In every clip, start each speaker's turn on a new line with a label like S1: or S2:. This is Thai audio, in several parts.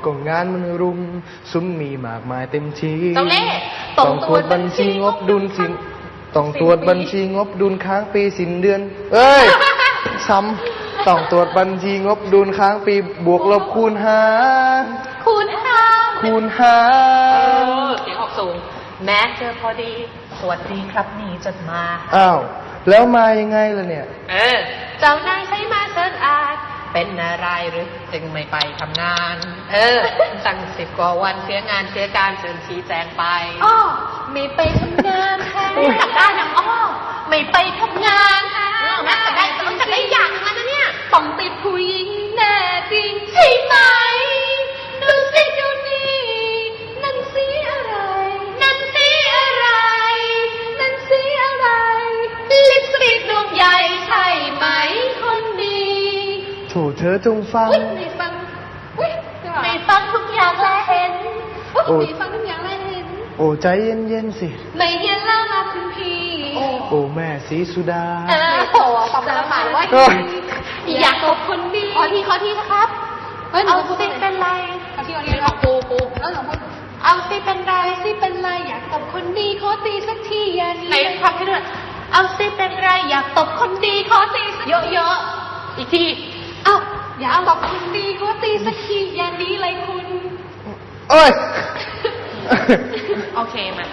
S1: ก็งานมันรุมซุ้มมีมากมายเต็มที
S2: เจ้าเล่ห์
S1: ต้องตรวจบัญชีงบดุลสินต้องตรวจบัญชีงบดุลค้างปีสิ้นเดือนเอ้ย ซ้ำต้องตรวจบัญชีงบดุลค้างปีบวกลบคูณหาร
S2: คุณหา
S1: คูณหาร
S2: เสียงออกสูง แม้เจอพอดี สวัสดีครับนี่จดมา
S1: อ้าวแล้วมายังไงล่ะเนี่ย
S2: เจ้านายใช้มาเชิญอาจเป็นอะไรหรือจึงไม่ไปทำงาน ตั้ง10 กว่าวันเสียงานเสียการเชิญชี้แจงไปอ้อไม่ไปทำงานค่ะจับได้นะอ้อไม่ไปทำงานค่ะแม่จะได้อย่างนั้นนะเนี่ยต้องติดผู้หญิงแน่จริงใช่ไหมดูสิดูนี่นั่นสีอะไรนั่นสีอะไรนั่นสีอะไรลิปสติกดวงใหญ่ใช่ไหมคนดี
S1: โถเธอจงฟัง
S2: ไม่ฟังไม่ฟังทุกอย่างและเห็นไม่ฟังทุกอย่างและเห็น
S1: โอ้ใจเย็นๆสิ
S2: ไม่เห็นแล้วนะคุณพี่
S1: โอ้แม่ศรีสุดา
S2: โอ้ฟังแล้วหมายว่าอยากตบคนดีขอที่นะครับเอาสิเป็นไรขอที่ของปูแล้วหนูพูดเอาสิเป็นไรสิเป็นไรอยากตบคนดีขอตีสักทีอย่านี้ไหนฟังให้ด้วยเอาสิเป็นไรอยากตบคนดีขอตีสักเยอะๆอีกทีเอาอยากตบคนดีขอตีสักทีอย่านี้เลยคุณ
S1: เอ้ย
S2: โอเคมา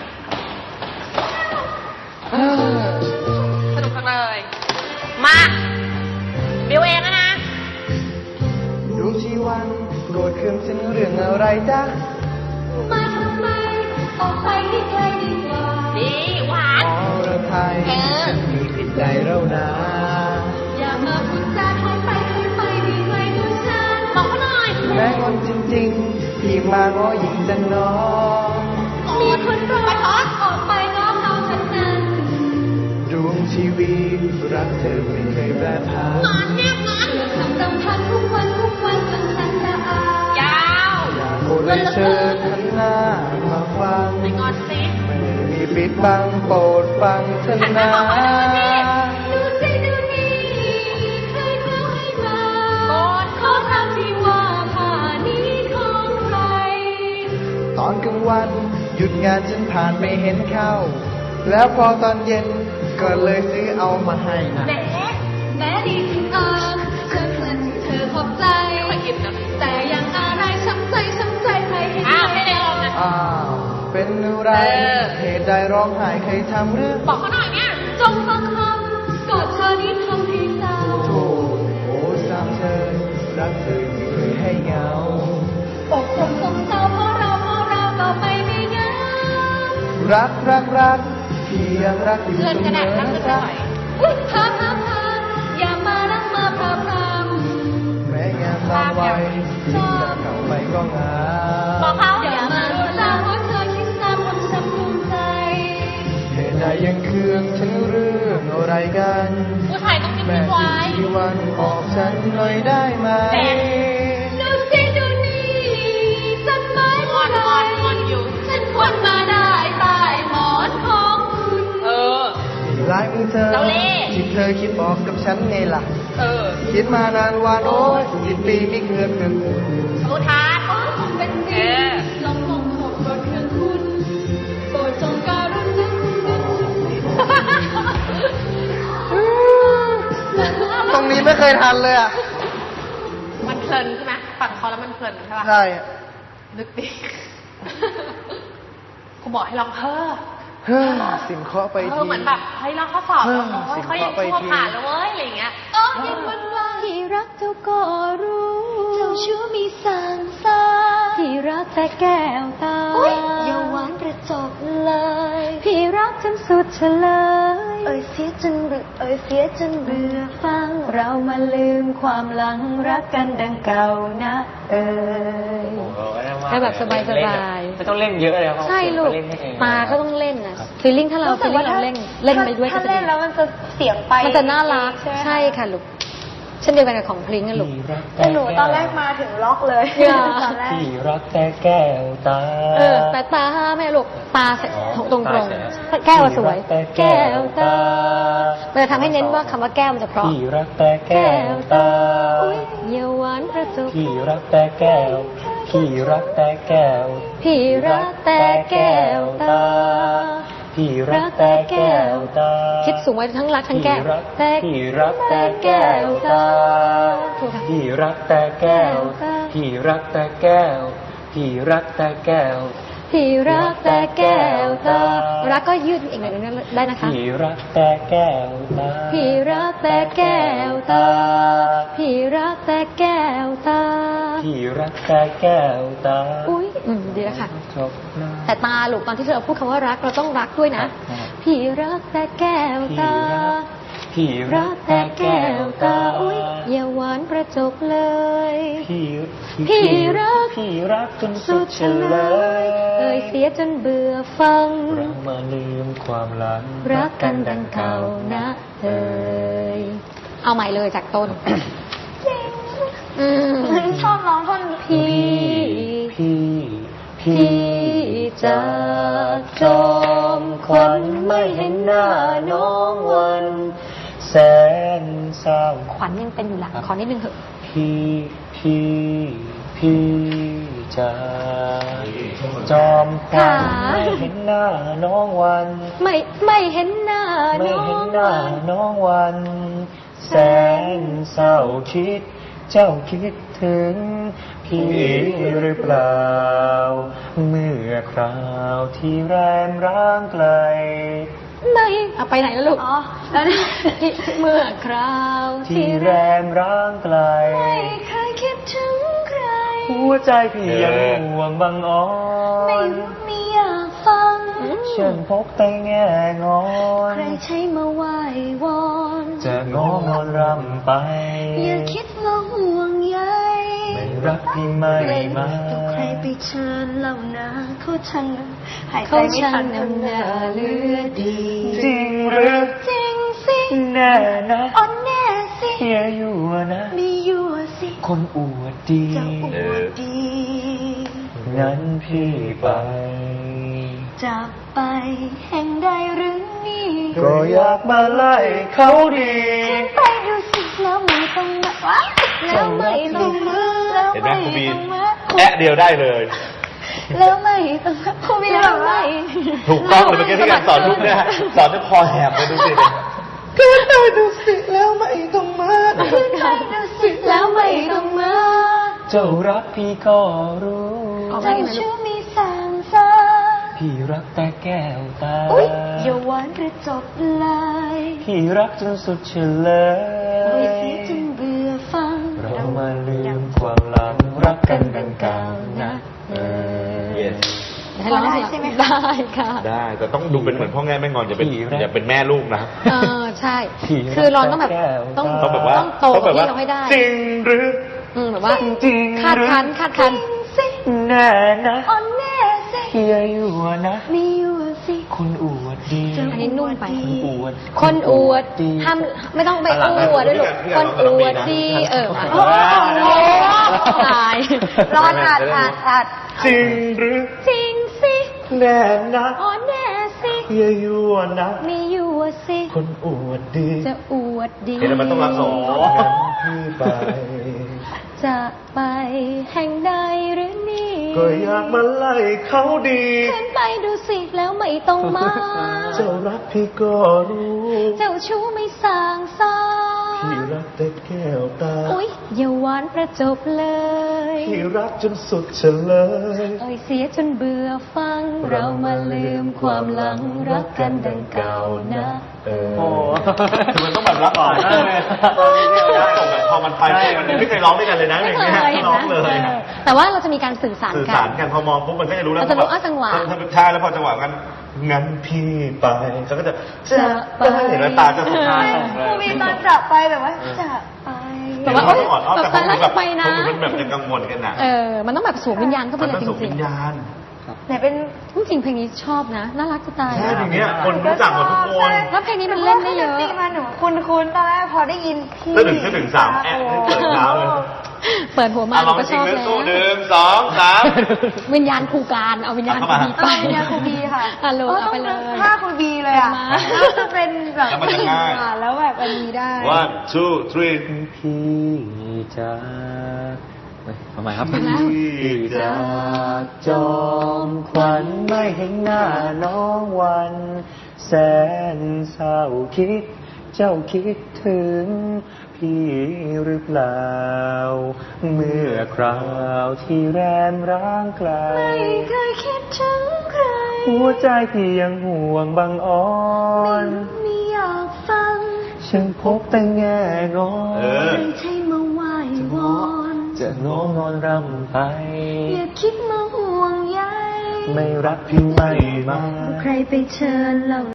S2: สนุกจังเลยมาบิวเองนะ
S1: ดวงชีวันโกรธเคืองฉันเรื่องอะไรจ๊ะ
S2: มาทำไมออกไปที่ไกลดีกว่าดีหวาน
S1: อรไทยฉันมีผิดใจเรานะ
S2: อย่ามาพูดจาถอยไปดีไกลตัวฉันบอกเขาหน่อย
S1: แม้คนจริงๆที่มาง้อหญิงจันน้อง
S2: มีคนรอทอดออกไปง้อเขาฉันนั้น
S1: ดวงชีวิตรักเธอไม่เคยแปรผัน
S2: งอนเนี่ยงอนทำรำพันทุกวันจนฉันละอายยาว
S1: อยากโอนเลยเชิญทันหน้ามาฟัง
S2: ไม่งอนสิ
S1: ไม่มีปิดบังโปรดฟังเถอะนะ
S2: ดูสิดูนี่ใครเขาให้มาขอทำที่ว่าผ่านี้ของใคร
S1: ตอนกลางวันหยุดงานฉันผ่านไม่เห็นเข้า แล้วพอตอนเย็นก็เลยซื้อเอามาให้นะ
S2: แม้ดีถึงเธอเพื่อนที่เธอขอบใจแต่ยังอะไรช้ำใจใครเห็นไม่ได้ลองนะ
S1: อ้าวเป็นอะไรเหตุใดร้องไห้ใครทำหรือ
S2: บอกเขาหน่อยเนี่ยจงฟังคำกอดเธอนี้ทำให้เศร้า
S1: โธ่โอ้สามเธอรักเธอไม่เคยให้เหงา
S2: อกคงสงเศร้าเพราะเราก็ไม่มีเงา
S1: รักที่ยังรักอยู่เสมอนะจ๊ะ
S2: พาอย่ามารักมาพาพรำ
S1: แม้งานบางวัยที่จะเข้าไปก็งา
S2: บอกเขาอย่ามารู้ลาเพราะเธอคิดซ้ำช้ำภูมิใจ
S1: เหตุใดยังเคืองฉันเรื่องอะไรกัน
S2: ผู้ชายต้องมี
S1: แม่
S2: ไว้
S1: ที่วันออกฉันหน่อยได้ไหม
S2: ดูสิดูนี่ฉันไม่พอใจฉันควรมาได้ใต้หมอนของคุณ
S1: ลายมือเธอ
S2: เราเล่
S1: ที่เธอคิดบอกกับฉันไงล่ะคิดมานานวันโอ้ย10 ปีไม่เคยเกินคุณ
S2: อุทานคงเป็นจริงลองคงโกรธเครื่องคุณโปรดจงการุณนึกคุณ
S1: ตรงนี้ไม่เคยทันเลยอ่ะ
S2: มันเพลินใช่ไหมฟังเขาแล้วมันเพลินใช่ป่ะ
S1: ใช่
S2: นึกดิกูบอกให้ลองเพ้อ
S1: เฮ้อสินเคาะไปที
S2: เหมือนแบบเฮ้ยเราข้อสอบแล้วเฮ้ยเขายังชั่วผ่านแล้วเว้ยอะไรอย่างเงี้ยยังวันที่รักเจ้าก็รู้เจ้าชู้มีสั่งสาพี่รักแต่แก้วตาอย่าหวานกระจกเลยพี่รักจนสุดเฉลยเสียจนเบื่อฟังเรามาลืมความหลังรักกันดังเก่านะ
S3: ให้แบบสบายไม่ต้องเล่นเยอะเลยครับ
S4: ใช่ลูกตาก็ต้องเล่นอ่ะฟีลลิ่งถ้าเราฟีลลิ่งเราเล่นไปด้วยก็
S5: ถ้า
S4: จะ
S5: เล่นแล้วมันจะเสียงไป
S4: มันจะน่ารักใช่ค่ะลูกเช่นเดียวกันกับของพลิงอะลูก
S5: แต่หนูตอนแรกมาถึงล็อกเลย
S4: อย่า
S5: ตอนแรก
S3: ที่รักแต่แก้วตา
S4: แต่ตาไม่ลูกตาตรงแก้วสวย แก้วตามันจะทำให้เน้นว่าคำว่าแก้วมันจะเพราะ
S3: ที่รักแต่แก้วตา
S4: เยาหวานกระจก
S3: ที่รักแต่แก้วพี่รักแต่แก้ว
S4: พี่รักแต่แก้วตา
S3: พี่รักแต่แก้วตา
S4: คิดสูงไว้ทั้งรักทั้งแก้วแต่
S3: พี่รักแต่แก้วตา
S4: ถูกค่ะ
S3: พี่รักแต่แก้ว พี่รักแต่แก้ว พี่รักแต่แก้ว
S4: พี่รักแต่แก้วตารักก็ยืดอีกหน่อยนึงได้นะคะ
S3: พี่รักแต่แก้วตา
S4: พี่รักแต่แก้วตา พี่รักแต่แก้วตา
S3: พี่รักแต่แก้วตา
S4: อุ้ยดีแล้วค่ะ
S3: จบนะ
S4: แต่ตาลูกตอนที่เราพูดคำว่ารักเราต้องรักด้วยนะ
S3: ครับ
S4: พี่รักแต่แก้วตา
S3: พี่
S4: รักแต่แก้วตา อุ้ยอย่าหวานประจบเลย พี่รัก
S3: พี่รักจนสุ
S4: สุ
S3: ด
S4: ด
S3: เฉ
S4: เฉ
S3: ล
S4: ลย
S3: ย
S4: เสียจนเบื่อฟัง
S3: เรามาลืมความหลัง
S4: รักกันดังเก่านะเอ่ยเอาใหม่เลยจากต้น
S5: ชอบร้องท่อน
S4: พี่
S3: พี่จากจอมขวัญไม่เห็นหน้าน้องวันแสนเศร้า
S4: ขวัญยังเป็นอยู่หลังขอนิดนึงเถอะ
S3: พี่จากจอมขวัญ
S4: ค่ะ
S3: ไม่เห็นหน้าน้องวัน
S4: ไม่เห็นหน้า
S3: ไม่
S4: น้อ
S3: เห็น
S4: ง
S3: หน้าน้องวัน แสนเศร้าคิด เจ้าคิดถึงพี่หรือเปล่า เมื่อคราวที่แรมร้างไกล
S4: ไม่เอาไปไหนแล้วลูก
S5: อ๋อแล้วนี่
S4: เมื่อคราว
S3: ที่แรมร้างไกล
S5: ไม่เคยคิดถึงใคร
S3: หัวใจพี่ยังห่วงบังอ่อ
S5: ไม่
S3: น
S5: รู้ไม่อยากฟัง
S3: ฉันพกแต่แง่งอน
S5: ใครใช้มาไหว้วอน
S3: จะงองอนรำไป
S5: อย่าคิดว่าห่วงใย
S3: ไม่รักพี่ไม่มา
S5: ใครไปเชิญเหล่านาเขาช่างหายใจ
S4: เขา
S5: ไม่
S4: ช่า
S5: ทั
S4: ง
S5: น
S4: นำหน้าเลือดี
S3: จริงหรือ
S5: จริงสิ
S3: แน่นะ
S5: อ่อนแน่สิ
S3: เฮียอยู่นะ
S5: มีอยู่สิ
S3: คนอวดดี
S5: จะอวดดี
S3: งั้นพี่ไป
S5: จะไปแห่งใดหรือนี่
S3: ก็อยากมาไล่เขาดี
S5: ไปดูสิแล้วไม่ต้องมาแล้วไม่ต้องมาแล้ว
S6: เห็นไหม
S5: ไม่
S6: ครูบี
S5: ต้องมา
S6: แอะเดียวได้เลย
S5: แล้วไม่ต้องมาครูบีแล้วไม่
S6: ถูกต้องเลยเมื่อกี้ที่การสอนลูกเนี่ยสอนด้วยคอแหบเลยดูสิ
S1: ขึ้นไปดูสิแล้วไม่ต้องมา
S5: ขึ้นไปดูสิแล้วไม่ต้องมา
S3: เจ้ารักพี่ก็รู้
S4: เอาไป
S5: เจ้า
S4: ไหนลู
S5: ชื่
S4: ก
S5: อมีสามสา
S3: พี่รักแต่แก้วตา
S5: อุ๊ยอย่าหวานหรือจบเลย
S3: พี่รักจนสุดเฉล
S5: ไม่
S3: ย
S5: เสียจนเบื่อฟัง
S3: เรามาลืมความหลังรักกันดังเก่านะ
S6: Yes
S4: ให้ร้อง
S5: ได้ใช่ไหมคะ
S4: ได้ค่ะ
S6: ได้แต่ต้องดูเป็นเหมือนพ่อแง่แม่งอนอย่าเป็นแม่ลูกนะ
S4: ใช่ คือร้องต้องแบบต้อง
S6: ต้องแบบว่า
S4: ต้องโต
S6: ต้อง
S4: ก
S6: แบ
S4: ว่า
S6: บว่า
S4: ที่เราให้ได้
S6: จริงหรือ
S4: แบบว่า
S3: จริง
S4: คาดคันคาดคัน
S5: สิ
S3: แน่นะ
S5: อ่อนแน่สิ
S3: เฮียอยู่นะ
S5: มีอยู่สิ
S3: คนอวดดี
S4: อันนี้นุ่มไป
S3: อวด
S4: คนอวดห้ามไม่ต้องไปอวดด้วยลูกคนอวดดีมา
S5: โอ้โห
S4: ตาย
S5: รอดอัด
S3: จริงหรือ
S4: จริงสิ
S3: แน่นะ
S4: อ๋อแน่สิ
S3: เฮียอยู่นะ
S4: มีอยู่สิ
S3: คนอวดดี
S4: จะอวดดี
S6: เห็นแล้วมันต้องรักสอง
S3: งั้นพี่ไป
S4: จะไปแห่งใดหรือนี่
S3: ก็อยากมาไล่เขาดี
S4: ขึ้นไปดูสิแล้วไม่ต้องมา
S3: เจ้ารักพี่ก็รู้
S4: เจ้าชู้ไม่สร้างสรร
S3: พี่
S4: ค์
S3: รักแต่แก้วตา
S4: อุ๊ยอย่าหวานประจบเลย
S3: พี่รักจนสุดเฉลย
S4: เสียจนเบื่อฟัง เรามาลืมความหลังรักกันดังเก่านะ
S3: โอ้
S6: คือมันต้องแบบรักก่อนพอมันไปมันไม่เคยร้องด้วยกันเลยนะอย่างเงี้ยร้องเลย
S4: แต่ว่าเราจะมีการสื่อสาร
S6: สื่อ
S4: กั
S6: สารกันพอมองปุ๊บมันก็จะรู้แล้ว
S4: เราจะรู้จังหวะ
S6: ใช่แล้วพอจังหวะงั้นพี่ไปเขาก็จะ
S4: จะไป
S6: เห็นแล้วตาจะสุดท้าย
S5: ครูบีตอนจะไปแบบว่าจะไป
S4: แต่ว่า
S6: เขาต้องอ่อนอ้อนแต่
S4: แต่
S6: เขา
S4: แล้ว
S6: แบ
S4: จะ
S6: บ
S4: ไปนะ
S6: เขาเป็นแบบจะกังวลกันนะ
S4: มันต้องแบบสวมวิญญาณเข้าไป
S6: มัน
S4: เลย
S6: ต้อง
S4: จ
S6: ส่ง
S4: ริ
S6: วิ
S4: ง
S6: ญญาณ
S5: ไหนเป็น
S4: ๆจริงๆเพลงนี้ชอบนะ น่ารักจะตาย
S6: ใช่อย่างเงี้ยคนรู้จักหมดทุกคน
S4: แล้วเพลงนี้มันเล่นได้เยอะ
S5: ตีมาหนูคุ้นตอนแรกพอได้ยินพี่
S6: ถ้าถึงสามแอะให้เปิดเท้าเลย
S4: เปิดหัวมา
S6: ลอง
S4: ก็
S6: จ
S4: ช
S6: ริง
S4: อบ
S6: เรื่อง
S4: แล้ว
S6: ตู้หนึ่งสองสาม
S4: วิญญาณครูการเอาวิญญาณครูบีไป
S5: วิญญาณครูบีค่ะ
S4: โหลเอาไปเลย
S5: ถ้าครูบีเลยอ่ะ
S4: มา
S5: แล้วจะเป็นแบบ
S6: แล้วมันจะง่าย
S5: แล้วแบบอันนี้ได้
S6: one two three
S3: พี่จากทำไมครับ
S6: ที่จะ
S3: จอมขวัญไม่เห็นหน้าน้องวัน แสนเศร้าคิด เจ้าคิดถึงพี่หรือเปล่า เมื่อคราวที่แรมร้างไกล
S5: ไม่เคยคิดถึงใคร
S3: หัวใจพี่ยังห่วงบังอ่อน
S5: ไม่อยากฟัง
S3: ฉันพบแต่แง่งอ
S5: ไม่ใช่มาไหว้วอน
S3: จะงอนอนรำไป
S5: อย่าคิดมาห่วงใย
S3: ไม่รักพี่ไม่มา
S5: ใครไปเชิญเรา